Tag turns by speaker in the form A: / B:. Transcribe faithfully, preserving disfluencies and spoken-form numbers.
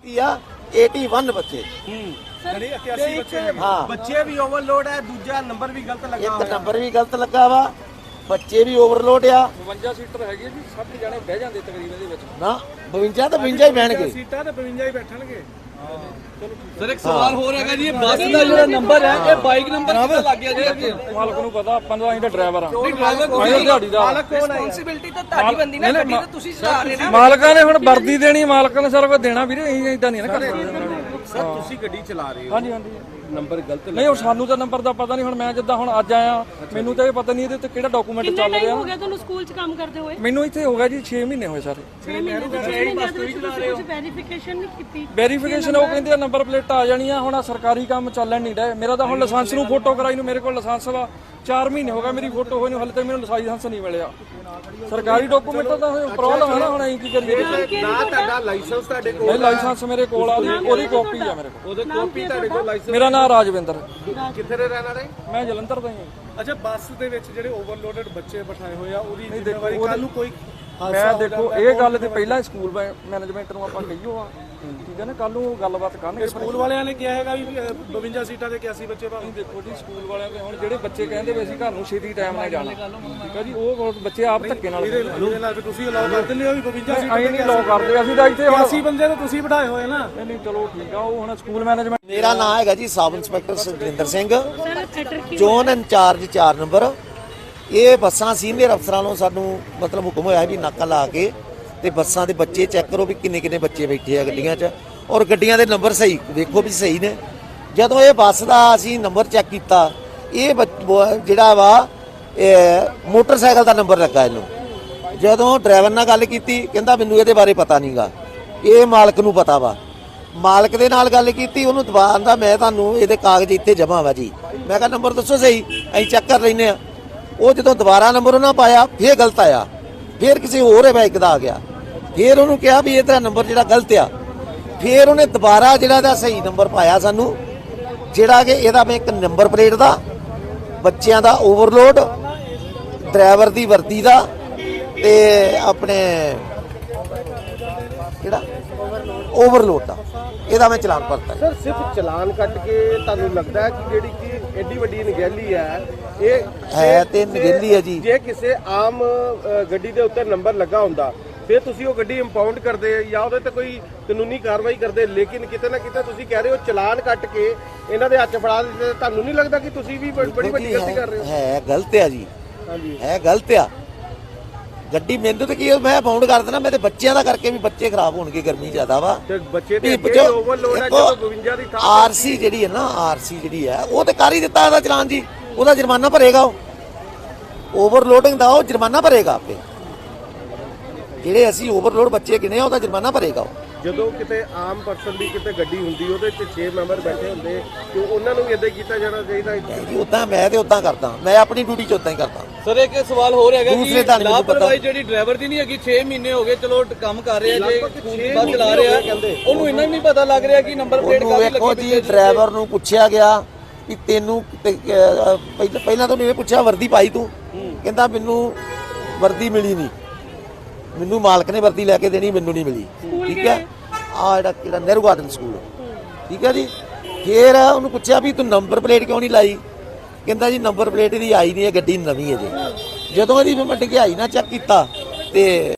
A: इक्यासी बच्चे हाँ
B: बच्चे भी ओवरलोड है, दूजा नंबर भी गलत लगा
A: एक नंबर भी गलत लगा वा, बच्चे भी ओवरलोड आ।
C: बवंजा सीटर है जी, साढ़े जाने बह जाते तकरीबन दे विच
A: ना बवंजा तो बवंजा ही बहणगे
B: सीटां ते बवंजा ही बैठणगे।
D: सर एक सवाल हो रहा है जी, बस का जो नंबर है ये बाइक नंबर कितना लग गया जी?
C: मालक ਨੂੰ ਪਤਾ, ਆਪਾਂ ਤਾਂ ਅਸੀਂ ਤਾਂ ਡਰਾਈਵਰ ਆ।
D: ड्राइवर
C: ਦਿਹਾੜੀਦਾਰ
B: मालक कौन है?
D: ਰਿਸਪੌਂਸਿਬਿਲਟੀ ਤਾਂ ਤੁਹਾਡੀ ਬੰਦੀ ਨਾ, ਗੱਡੀ ਤਾਂ ਤੁਸੀਂ ਚਲਾ ਰਹੇ ਨਾ।
C: ਮਾਲਕਾਂ ਨੇ ਹੁਣ ਵਰਦੀ ਦੇਣੀ, ਮਾਲਕਾਂ ਨੇ ਸਾਰਾ ਕੁਝ ਦੇਣਾ ਵੀਰੇ, ਅਸੀਂ ਇਦਾਂ ਨਹੀਂ ਨਾ ਕਰ ਸਕਦੇ।
B: सर तुसी गड्डी चला रहे हो,
C: ਹਾਂਜੀ ਹਾਂਜੀ
B: नंबर गलत
C: ਨਹੀਂ, ਉਹ ਸਾਨੂੰ ਤਾਂ ਨੰਬਰ ਦਾ ਪਤਾ ਨਹੀਂ। ਹੁਣ ਮੈਂ ਜਿੱਦਾਂ ਹੁਣ ਅੱਜ ਆਇਆ, ਮੈਨੂੰ ਤਾਂ ਇਹ ਪਤਾ ਨਹੀਂ ਇਹਦੇ ਉੱਤੇ ਕਿਹੜਾ ਡਾਕੂਮੈਂਟ ਚੱਲ ਰਿਹਾ।
E: ਹੋ ਗਿਆ ਤੁਹਾਨੂੰ ਸਕੂਲ 'ਚ ਕੰਮ ਕਰਦੇ ਹੋਏ?
C: ਮੈਨੂੰ ਇੱਥੇ ਹੋ ਗਿਆ ਜੀ ਛੇ ਮਹੀਨੇ ਹੋਏ ਸਾਰੇ।
E: ਛੇ ਮਹੀਨੇ ਦੇ ਛੇ ਮਹੀਨੇ ਦੇ ਵਿੱਚ ਤੁਸੀਂ ਕੁਝ ਵੈਰੀਫਿਕੇਸ਼ਨ ਨਹੀਂ ਕੀਤੀ?
C: ਵੈਰੀਫਿਕੇਸ਼ਨ ਉਹ ਕਹਿੰਦੇ ਆ ਨੰਬਰ ਪਲੇਟ ਆ ਜਾਣੀ ਆ। ਹੁਣ ਆਹ ਸਰਕਾਰੀ ਕੰਮ ਚੱਲਣ ਨਹੀਂ ਡਿਆ ਮੇਰਾ ਤਾਂ। ਹੁਣ ਲਾਇਸੈਂਸ ਨੂੰ ਫੋਟੋ ਕਰਾਈ ਨੂੰ ਮੇਰੇ ਕੋਲ ਲਾਇਸੈਂਸ ਵਾ ਚਾਰ ਮਹੀਨੇ ਹੋ ਗਏ, ਮੇਰੀ ਫੋਟੋ ਹੋਈ ਨੂੰ ਹਲੇ ਤੱਕ ਮੈਨੂੰ ਲਾਇਸੈਂਸ ਨਹੀਂ ਮਿਲਿਆ। ਸਰਕਾਰੀ ਡਾਕੂਮੈਂਟ ਦਾ ਪ੍ਰੋਬਲਮ ਹੈ ਨਾ, ਹੁਣ ਅਸੀਂ ਕੀ ਕਰੀਏ?
B: ਨਾ ਤੁਹਾਡਾ ਲਾਇਸੈਂਸ ਤੁਹਾਡੇ ਕੋਲ?
C: ਨਹੀਂ, ਲਾਇਸੈਂਸ ਮੇਰੇ ਕੋਲ ਆ, ਉਹਦੀ ਕਾਪੀ ਆ ਮੇਰੇ ਕੋਲ।
B: ਉਹਦੇ ਕਾਪੀ ਤੁਹਾਡੇ ਕੋਲ ਲਾਇਸੈਂਸ?
C: ਮੇਰਾ ਨਾਮ ਰਾਜਵਿੰਦਰ,
B: ਕਿੱਥੇ ਦੇ ਰਹਿਣ ਵਾਲੇ?
C: ਮੈਂ ਜਲੰਧਰ ਦਾ ਹੀ ਹਾਂ।
B: ਅੱਛਾ, ਬੱਸ ਦੇ ਵਿੱਚ ਜਿਹੜੇ ਓਵਰਲੋਡਡ ਬੱਚੇ ਬਿਠਾਏ ਹੋਏ ਆ, ਉਹਦੀ ਜ਼ਿੰਮੇਵਾਰੀ ਕੱਲ ਨੂੰ ਕੋਈ
C: ਮੈਂ ਦੇਖੋ ਇਹ ਗੱਲ ਤੇ ਪਹਿਲਾਂ ਸਕੂਲ ਮੈਨੇਜਮੈਂਟ ਨੂੰ ਆਪਾਂ ਕਹੀਓ ਆ, ਠੀਕ ਹੈ ਨਾ, ਕੱਲ ਨੂੰ ਗੱਲਬਾਤ ਕਰਨਗੇ।
B: ਸਕੂਲ ਵਾਲਿਆਂ ਨੇ ਕਿਹਾ ਹੈਗਾ ਵੀ ਬਵੰਜਾ ਸੀਟਾਂ ਤੇ ਇਕਿਆਸੀ ਬੱਚੇ ਭਾਵੇਂ।
C: ਦੇਖੋ ਜੀ, ਸਕੂਲ ਵਾਲਿਆਂ ਦੇ ਹੁਣ ਜਿਹੜੇ ਬੱਚੇ ਕਹਿੰਦੇ ਵੀ ਅਸੀਂ ਘਰ ਨੂੰ ਛੇਤੀ ਟਾਈਮ ਨਾਲ ਜਾਣਾ, ਠੀਕ ਹੈ ਜੀ, ਉਹ ਬੱਚੇ ਆਪ ਧੱਕੇ ਨਾਲ
B: ਇਹਦੇ ਨਾਲ ਤੁਸੀਂ ਅਲਾਉ ਕਰ ਦਿੰਦੇ ਹੋ ਵੀ ਬਵੰਜਾ ਸੀਟਾਂ
C: ਅਸੀਂ ਨਹੀਂ ਲੋ ਕਰਦੇ। ਅਸੀਂ ਤਾਂ ਇੱਥੇ ਹੁਣ
B: ਇਕਿਆਸੀ ਬੰਦੇ ਤਾਂ ਤੁਸੀਂ ਬਿਠਾਏ ਹੋਏ ਨਾ।
C: ਨਹੀਂ ਨਹੀਂ, ਚਲੋ ਠੀਕ ਆ। ਉਹ ਹੁਣ ਸਕੂਲ ਮੈਨੇਜਮੈਂਟ।
A: मेरा नाम है जी sub inspector Sukhjinder Singh,
E: sir theatre ਕੀ
A: जोन इंचार्ज चार नंबर। ਇਹ ਬੱਸਾਂ ਸੀਨੀਅਰ ਅਫਸਰਾਂ ਨੂੰ ਸਾਨੂੰ ਮਤਲਬ ਹੁਕਮ ਹੋਇਆ ਵੀ ਨਾਕਾ ਲਾ ਕੇ ਤੇ ਬੱਸਾਂ ਦੇ ਬੱਚੇ ਚੈੱਕ ਕਰੋ ਵੀ ਕਿੰਨੇ ਕਿੰਨੇ ਬੱਚੇ ਬੈਠੇ ਆ ਗੱਡੀਆਂ 'ਚ, ਔਰ ਗੱਡੀਆਂ ਦੇ ਨੰਬਰ ਸਹੀ ਵੇਖੋ ਵੀ ਸਹੀ ਨੇ। ਜਦੋਂ ਇਹ ਬੱਸ ਦਾ ਅਸੀਂ ਨੰਬਰ ਚੈੱਕ ਕੀਤਾ, ਇਹ ਜਿਹੜਾ ਵਾ ਮੋਟਰਸਾਈਕਲ ਦਾ ਨੰਬਰ ਲੱਗਾ ਇਹਨੂੰ। ਜਦੋਂ ਡਰਾਈਵਰ ਨਾਲ ਗੱਲ ਕੀਤੀ, ਕਹਿੰਦਾ ਮੈਨੂੰ ਇਹਦੇ ਬਾਰੇ ਪਤਾ ਨਹੀਂਗਾ, ਇਹ ਮਾਲਕ ਨੂੰ ਪਤਾ ਵਾ। ਮਾਲਕ ਦੇ ਨਾਲ ਗੱਲ ਕੀਤੀ, ਉਹਨੂੰ ਦਬਾਨ ਦਾ ਮੈਂ ਤੁਹਾਨੂੰ ਇਹਦੇ ਕਾਗਜ਼ ਇੱਥੇ ਜਮ੍ਹਾਂ ਵਾ ਜੀ। ਮੈਂ ਕਿਹਾ ਨੰਬਰ ਦੱਸੋ ਸਹੀ, ਅਸੀਂ ਚੈੱਕ ਕਰ ਲੈਂਦੇ ਆ। ਉਹ ਜਦੋਂ ਦੁਬਾਰਾ ਨੰਬਰ ਉਹਨਾਂ ਪਾਇਆ, ਫੇਰ ਗਲਤ ਆਇਆ, ਫੇਰ ਕਿਸੇ ਹੋਰ ਬਾਈਕ ਦਾ ਆ ਗਿਆ। ਫੇਰ ਉਹਨੂੰ ਕਿਹਾ ਵੀ ਇਹ ਤੇਰਾ ਨੰਬਰ ਜਿਹੜਾ ਗਲਤ ਆ। ਫੇਰ ਉਹਨੇ ਦੁਬਾਰਾ ਜਿਹੜਾ ਦਾ ਸਹੀ ਨੰਬਰ ਪਾਇਆ ਸਾਨੂੰ, ਜਿਹੜਾ ਕਿ ਇਹਦਾ ਮੈਂ ਇੱਕ ਨੰਬਰ ਪਲੇਟ ਦਾ, ਬੱਚਿਆਂ ਦਾ ਓਵਰਲੋਡ, ਡਰਾਈਵਰ ਦੀ ਵਰਦੀ ਦਾ ਤੇ ਆਪਣੇ ਕਿਹੜਾ ਓਵਰਲੋਡ ਦਾ, ਇਹਦਾ ਮੈਂ ਚਲਾਨ ਭਰਤਾ।
B: ਸਰ ਸਿਰਫ ਚਲਾਨ ਕੱਟ ਕੇ ਤੁਹਾਨੂੰ ਲੱਗਦਾ ਹੈ ਕਿ ਜਿਹੜੀ ਕਿ ਐਡੀ ਵੱਡੀ ਨਗੇਲੀ ਹੈ, ਇਹ
A: ਹੈ ਤੇ ਨਗੇਲੀ ਹੈ ਜੀ।
B: ਜੇ ਕਿਸੇ ਆਮ ਗੱਡੀ ਦੇ ਉੱਤੇ ਨੰਬਰ ਲੱਗਾ ਹੁੰਦਾ ਫਿਰ ਤੁਸੀਂ ਉਹ ਗੱਡੀ ਇੰਪਾਊਂਡ ਕਰਦੇ ਜਾਂ ਉਹਦੇ ਤੇ ਕੋਈ ਕਾਨੂੰਨੀ ਕਾਰਵਾਈ ਕਰਦੇ, ਲੇਕਿਨ ਕਿਤੇ ਨਾ ਕਿਤੇ ਤੁਸੀਂ ਕਹਿ ਰਹੇ ਹੋ ਚਲਾਨ ਕੱਟ ਕੇ ਇਹਨਾਂ ਦੇ ਹੱਥ ਫੜਾ ਦਿੱਤੇ। ਤੁਹਾਨੂੰ ਨਹੀਂ ਲੱਗਦਾ ਕਿ ਤੁਸੀਂ ਵੀ ਬੜੀ ਵੱਡੀ ਗਲਤੀ ਕਰ ਰਹੇ ਹੋ?
A: ਹੈ ਗਲਤ ਆ ਜੀ,
B: ਹਾਂਜੀ
A: ਹੈ ਗਲਤ ਆ। ਗੱਡੀ ਮੈਨੂੰ ਤਾਂ ਕੀ ਮੈਂ ਬਾਉਂਡ ਕਰ ਦੇਣਾ, ਮੇਰੇ ਬੱਚਿਆਂ ਦਾ ਕਰਕੇ ਵੀ ਬੱਚੇ ਖਰਾਬ ਹੋਣਗੇ, ਗਰਮੀ ਜ਼ਿਆਦਾ ਵਾ
B: ਤੇ ਬੱਚੇ ਤੇ ਅੱਗੇ ਓਵਰਲੋਡ ਹੈ। ਜਦੋਂ ਬਵੰਜਾ ਦੀ ਥਾਂ
A: ਆਰਸੀ ਜਿਹੜੀ ਹੈ ਨਾ, ਆਰਸੀ ਜਿਹੜੀ ਹੈ ਉਹ ਤੇ ਕਰ ਹੀ ਦਿੱਤਾ ਇਹਦਾ ਚਲਾਨ ਜੀ, ਉਹਦਾ ਜੁਰਮਾਨਾ ਭਰੇਗਾ। ਉਹ ਓਵਰਲੋਡਿੰਗ ਦਾ ਉਹ ਜੁਰਮਾਨਾ ਭਰੇਗਾ ਆਪੇ। ਜਿਹੜੇ ਅਸੀਂ ਓਵਰਲੋਡ ਬੱਚੇ ਗਿਣੇ ਆ ਉਹਦਾ ਜੁਰਮਾਨਾ ਭਰੇਗਾ ਉਹ।
B: ਜਦੋਂ ਕਿਤੇ ਆਮ ਪਰਸਨ ਦੀ ਕਿਤੇ ਗੱਡੀ ਹੁੰਦੀ, ਉਹਦੇ ਚ ਛੇ ਮੈਂਬਰ ਬੈਠੇ ਹੁੰਦੇ, ਤੇ ਉਹਨਾਂ ਨੂੰ ਵੀ ਇਦਾਂ ਕੀਤਾ ਜਾਣਾ ਚਾਹੀਦਾ।
A: ਉਦਾਂ ਮੈਂ ਤੇ ਉਦਾਂ ਕਰਦਾ, ਮੈਂ ਆਪਣੀ ਡਿਊਟੀ ਚ ਉਦਾਂ ਹੀ ਕਰਦਾ।
D: ਸਰ ਇੱਕ ਸਵਾਲ ਹੋ ਰਿਹਾ ਹੈਗਾ
A: ਦੂਸਰੇ
D: ਕਿ
A: ਤਾਂ ਨਹੀਂ ਮੈਨੂੰ ਪਤਾ।
D: ਲਾਪਰਵਾਹੀ ਜਿਹੜੀ ਡਰਾਈਵਰ ਦੀ ਨਹੀਂ ਹੈਗੀ, ਛੇ ਮਹੀਨੇ ਹੋ ਗਏ ਚਲੋ ਕੰਮ ਕਰ ਰਿਹਾ, ਜੇ ਬੱਸ ਚਲਾ ਰਿਹਾ, ਉਹਨੂੰ ਇੰਨਾ ਨਹੀਂ ਪਤਾ ਲੱਗ ਰਿਹਾ ਕਿ ਨੰਬਰ ਪਲੇਟ
A: ਉਹਨੂੰ
D: ਕਾਹਦੀ
A: ਵੇਖੋ
D: ਲੱਗੀ।
A: ਜੀ, ਡਰਾਈਵਰ ਨੂੰ ਪੁੱਛਿਆ ਗਿਆ ਵੀ ਤੈਨੂੰ ਪਹਿਲਾਂ ਪਹਿਲਾਂ ਤਾਂ ਉਹਨੇ ਪੁੱਛਿਆ ਵਰਦੀ ਪਾਈ ਤੂੰ? ਕਹਿੰਦਾ ਮੈਨੂੰ ਵਰਦੀ ਮਿਲੀ ਨਹੀਂ, ਮੈਨੂੰ ਮਾਲਕ ਨੇ ਵਰਦੀ ਲੈ ਕੇ ਦੇਣੀ, ਮੈਨੂੰ ਨਹੀਂ ਮਿਲੀ। ਠੀਕ ਹੈ, ਆ ਜਿਹੜਾ ਕਿਹੜਾ ਨਹਿਰੂ ਗਾਰਡਨ ਸਕੂਲ, ਠੀਕ ਹੈ ਜੀ। ਫਿਰ ਉਹਨੂੰ ਪੁੱਛਿਆ ਵੀ ਤੂੰ ਨੰਬਰ ਪਲੇਟ ਕਿਉਂ ਨਹੀਂ ਲਾਈ? ਕਹਿੰਦਾ ਜੀ ਨੰਬਰ ਪਲੇਟ ਇਹਦੀ ਆਈ ਨਹੀਂ ਹੈ, ਗੱਡੀ ਨਵੀਂ ਹੈ ਜੀ। ਜਦੋਂ ਇਹਦੀ ਮੈਂ ਡਿਗਾਈ ਨਾ ਚੈੱਕ ਕੀਤਾ ਤੇ